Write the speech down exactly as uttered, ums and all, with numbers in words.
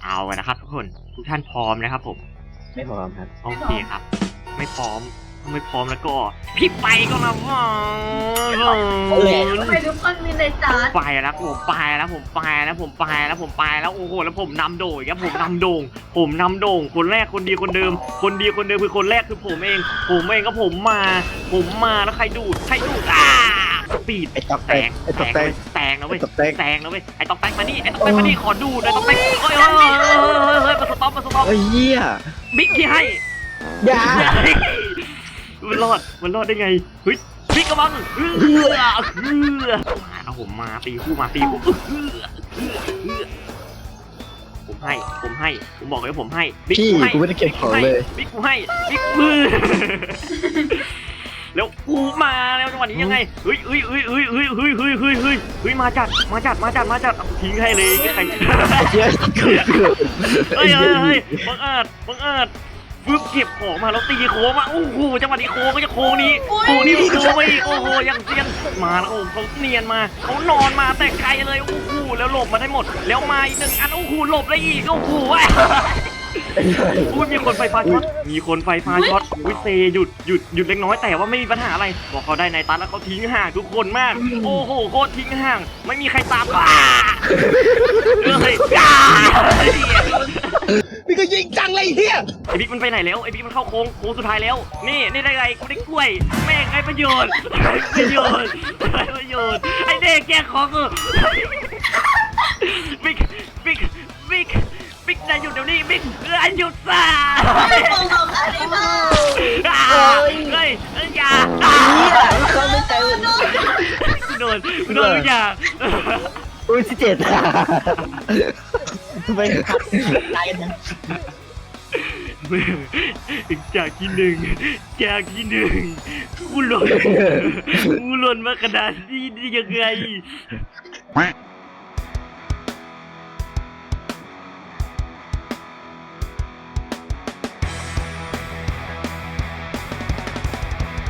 เอากันนะครับทุกคนทุกท่านพร้อมนะครับผมไม่พร้อมครับโอเคครับไม่พร้อมไม่พร้อมแล้วก็พี่ไปก็นะว่าไปทุกคนมีในจานไปแล้วผมไปแล้วผมไปแล้วผมไปแล้วผมไปแล้วโอ้โหแล้วผมนำโด่งครับผมนำโด่งผมนำโด่งคนแรกคนดีคนเดิมคนดีคนเดิมคือคนแรกคือผมเองผมเองก็ผมมาผมมาแล้วใครดูดใครดูดอ่าปีดไอ้ตอกแตกไอ้ตอกแตกแตงนะเว้ยตอกแตกแตงนะเว้ยไอ้ตอกแตกมานี่ไอ้ตอกแตกมานี่ขอดูหน่อยตอกแตกเฮ้ยเฮ้ยเฮ้ยเฮ้ยมาสต็อปมาสต็อปไอ้เหี้ยบิ๊กที่ให้อย่ามันรอดมันรอดได้ไงเฮ้ยบิ๊กกระบังเฮือเฮือเอาผมมาตีคู่มาตีคู่เฮือเฮือเฮือผมให้ผมให้ผมบอกเลยผมให้บิ๊กพี่ให้กูไม่ได้เก็บของเลยบิ๊กกูให้บิ๊กมือแล้วกูมาแล้วจังหวะนี้ยังไงเฮ้ยเฮ้ยเฮ้ยเฮ้ยเฮ้ยเฮ้ยเฮ้ยเฮ้ยเฮ้ยเฮ้ยมาจัดมาจัดมาจัดมาจัดทิ้งให้เลยใครเหี้ยเกือบเกือบเฮ้ยเฮ้ยเฮ้ยบังอาจบังอาจปึ๊บเก็บของมาแล้วตีโค้งมาโอ้โหจังหวะนี้โค้งก็จะโค้งนี้โค้งนี้โค้งไปอีกโอ้โหยังเซียนมาแล้วโอ้เขาเนียนมาเขานอนมาแต่ไกลเลยโอ้โหแล้วหลบมาได้หมดแล้วมาอีกหนึ่งอันโอ้โหหลบได้อีกโอ้โหอุ้ยมีคนไฟฟ้าช็อตมีคนไฟฟ้าช็อตอุ้ยเซหยุดหยุดหยุดเล็กน้อยแต่ว่าไม่มีปัญหาอะไรบอกเขาได้ในตันแล้วเขาทิ้งห่างทุกคนมากโอ้โหโคตรทิ้งห่างไม่มีใครตามว้าเฮ้ยจ้าพี่ก็ยิงจังเลยเฮียไอบิ๊กมันไปไหนแล้วไอบิ๊กมันเข้าโค้งโค้งสุดท้ายแล้วนี่นี่ได้ไงกูได้กล้วยแม่งไอ้ประโยชน์ประโยชน์ประโยชน์ไอเด็กแกของกูบิ๊กบิ๊กบิ๊กบิ๊กนายหยุดเดี๋ยวนี้บิ๊กเออหยุดซะไม่บอกบอกอะไรมาเฮ้ยเฮ้ยอย่าเขาไม่ใจเลยกูโดนกูโดนทุกอย่างอุ้ยสิเจ็ดไปตายกันนะจากที่หนึ่งจากที่หนึ่งกูหล่นกูหล่นมากระดาษนี้ได้ยังไง